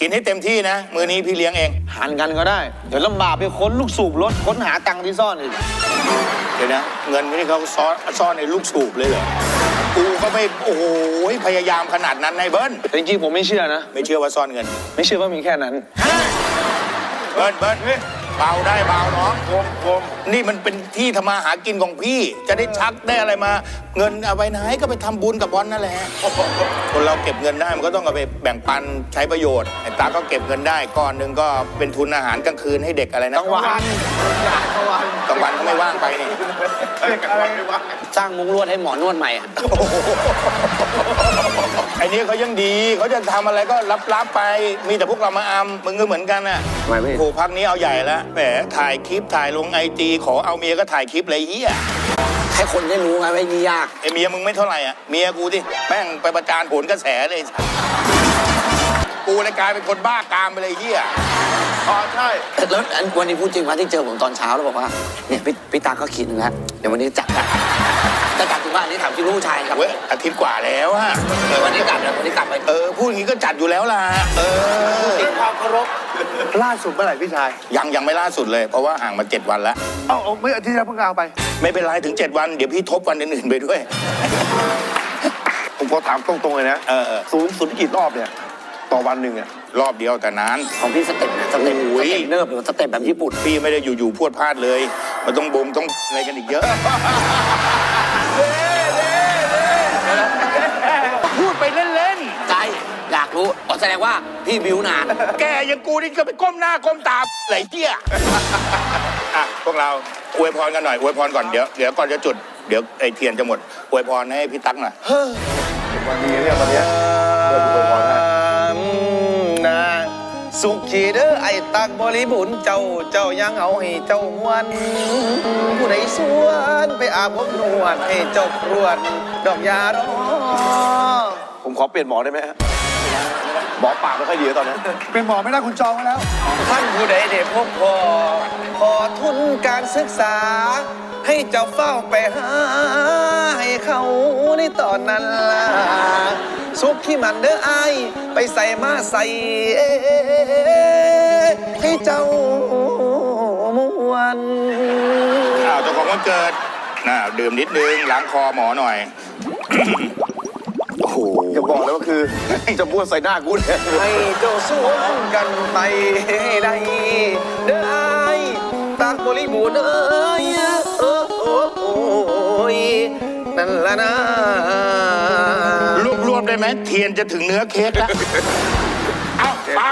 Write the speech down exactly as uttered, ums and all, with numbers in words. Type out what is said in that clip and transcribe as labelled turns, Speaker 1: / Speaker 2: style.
Speaker 1: กินให้เต็มที่นะมื้อนี้พี่เลี้ยงเอง
Speaker 2: หันกันก็ได้เดี๋ยวลำบากไปค้นลูกสูบรถค้นหาตังค์ที่ซ่อนอีก
Speaker 1: เดี๋ยวนะเงินนี่เขาซ่อนซ่อนในลูกสูบเลยเหรอกูก็ไม่โอ้โหพยายามขนาดนั้นนายเบิ้ล
Speaker 2: จริงๆผมไม่เชื่อนะ
Speaker 1: ไม่เชื่อว่าซ่อนเงิน
Speaker 2: ไม่เชื่อว่ามีแค่นั้น
Speaker 1: เบิ้ลเบิ้ลเบาได้เบาน้องกลมกลมนี่มันเป็นที่ทำมาหากินของพี่จะได้ชักได้อะไรมาเงินเอาไปไหนก็ไปทำบุญกับบอลนั่นแหละคนเราเก็บเงินได้มันก็ต้องเอาไปแบ่งปันใช้ประโยชน์ไอ้ตาก็เก็บเงินได้ก้อนหนึ่งก็เป็นทุนอาหารกลางคืนให้เด็กอะไรนะ
Speaker 2: กลางวันกลางวัน
Speaker 1: กลางวันก็ไม่ว่างไปนี่
Speaker 2: สร้างมุ้งลวดให้หมอนวดใหม่อ่ะ
Speaker 1: ไอ้นี้เขายังดีเขาจะทำอะไรก็รับๆไปมีแต่พวกเรามาอำมึงก็เหมือนกันน่ะโอ้พักนี้เอาใหญ่แล้วแหมถ่ายคลิปถ่ายลงไอจีขอเอาเมียก็ถ่ายคลิปเลยเฮีย
Speaker 2: ให้คนได้รู้ไงไม่นี่ยาก
Speaker 1: ไอเมียมึงไม่เท่าไหร่อ่ะเมียกูที่แม่งไปประจานผลกระแสเลยกูเลยกลายเป็นคนบ้ากามไปเลยเฮีย
Speaker 2: อ๋อใช่แล้ววันนี้พูดจริงว่าที่เจอผมตอนเช้าแล้วบอกว่าเนี่ยพี่พี่ตาก็คิดนึงแล้วเดี๋ยววันนี้จัดกันจะกลับถึงบ้านนี่ถามที่ลูกชายครับ
Speaker 1: เว้ยอาทิตย์กว่าแล้วฮะ
Speaker 2: เออวันนี้กลับแล้ววันนี้กลับไป
Speaker 1: เออพูดอย่างนี้ก็จัดอยู่แล้วล่ะเออ
Speaker 2: ติดความเคารพล่าสุดเมื่อไหร่พี่ชาย
Speaker 1: ยังยังไม่ล่าสุดเลยเพราะว่าห่างมาเจ็ดวันแล้ว
Speaker 2: เอ้าไม่อาทิตย์แล้วเพิ่งเอาไป
Speaker 1: ไม่เป็นไรถึงเจ็ดวันเดี๋ยวพี่ทบวันอื่นๆไปด้วย
Speaker 2: ผมก็ถามตรงๆเลยนะ
Speaker 1: เออ
Speaker 2: สูงสุดกี่รอบเนี่ยต่อวันหนึ่งอะ
Speaker 1: รอบเดียวแต่นาน
Speaker 2: ของพี่สเต็ปนะสเต็ปสเต็ปเนิบหรือสเต็ปแบบญี่ปุ่น
Speaker 1: พี่ไม่ได้อยู่ๆพวดพลาดเลยมันต้องบ่มต้องอะไรกันอีกเยอะพูดไปเล่น
Speaker 2: ๆใจอยากรู้อ๋อแสดงว่าพี่บิวนาน
Speaker 1: แกยังกูนี่ก็ไปก้มหน้าก้มตาไหลเตี้ยอ่ะพวกเราอวยพรกันหน่อยอวยพรก่อนเดี๋ยวเดี๋ยวก่อนจะจุดเดี๋ยวไอเทียนจะหมดอวยพรให้พี่ตั๊กหน่อย
Speaker 2: วันนี้เนี่ยวันนี้เปิดอวยพรให้นะสุขีเด้อไอ้ตักบริบูรณ์เจ้าเจ้ายังเอาให้เจ้ามวนผู้ใดสวนไปอาบอบนวดให้เจ้าปวดดอกยารอผมขอเปลี่ยนหมอได้ไหมฮะหมอปากไม่ค่อยดีตอนนี้
Speaker 3: เป็นหมอไม่ได้คุณจองแล้ว
Speaker 2: ท่านผู้ใดเด็พบพอขอทุนการศึกษาให้เจ้าเฝ้าไปหาให้เขาในตอนนั้นล่ะสุขที่มันเด้อไอไปใส่มาใส่ให้เจ้ามวน
Speaker 1: อ้าวเจ้าของวันเกิดน่าดื่มนิดนึงล้างคอหมอหน่อย
Speaker 2: โอ้โหอย่าบอกเลยว่าคือจะบ้วนใส่หน้ากูเนี่ยให้เจ้าสวมกันไปให้ได้เด้อไอตักบริบูรณ์เอ้ยนั่นละนะ
Speaker 1: รวบๆได้ไหมเทียนจะถึงเนื้อเค้กแล้วเอา